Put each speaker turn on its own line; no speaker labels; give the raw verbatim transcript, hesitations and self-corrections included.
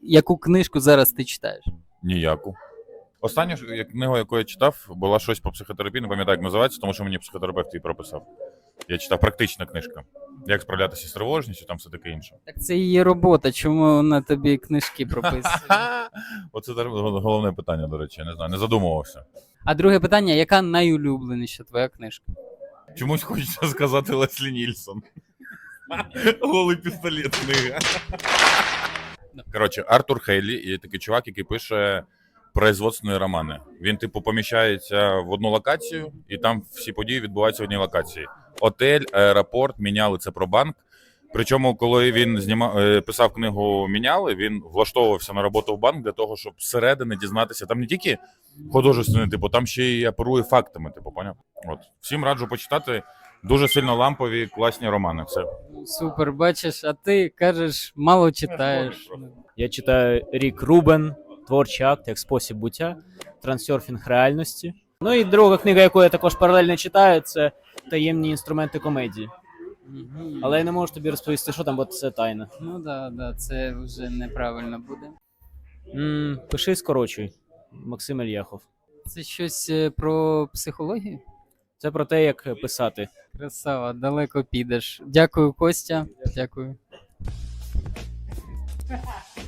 яку книжку зараз ти читаєш?
Ніяку. Остання ж, як- книга, яку я читав, була щось по психотерапії, не пам'ятаю, як називається, тому що мені психотерапевт її прописав. Я читав практична книжка. Як справлятися з тривожністю, там все таке інше.
Так це її робота, чому вона тобі книжки прописує?
Оце зараз головне питання, до речі, я не знаю, не задумувався.
А друге питання, яка найулюбленіша твоя книжка?
Чомусь хочеться сказати Леслі Нільсон. Голий пістолет книга. Коротше, Артур Хейлі є такий чувак, який пише производственні романи. Він, типу, поміщається в одну локацію, і там всі події відбуваються в одній локації. Отель, аеропорт, міняли це про банк. Причому, коли він знімав, писав книгу «Міняли», він влаштовувався на роботу в банк для того, щоб зсередини дізнатися. Там не тільки художественне, типу, там ще й оперує фактами, типу, поняв? От. Всім раджу почитати. Дуже сильно лампові, класні романи. Все.
Супер, бачиш, а ти кажеш, мало читаєш.
Я читаю Рік Рубен, творчий акт як спосіб буття, трансерфінг реальності. Ну і друга книга, яку я також паралельно читаю, це таємні інструменти комедії.
Мгм.
Але я не можу тобі розповісти, що там, бо це тайна.
Ну да, да, це вже неправильно буде.
М, пиши, скорочуй. Максим Ільяхов.
Це щось е, про психологію?
Це про те, як писати.
Красава, далеко підеш. Дякую, Костя. Дякую.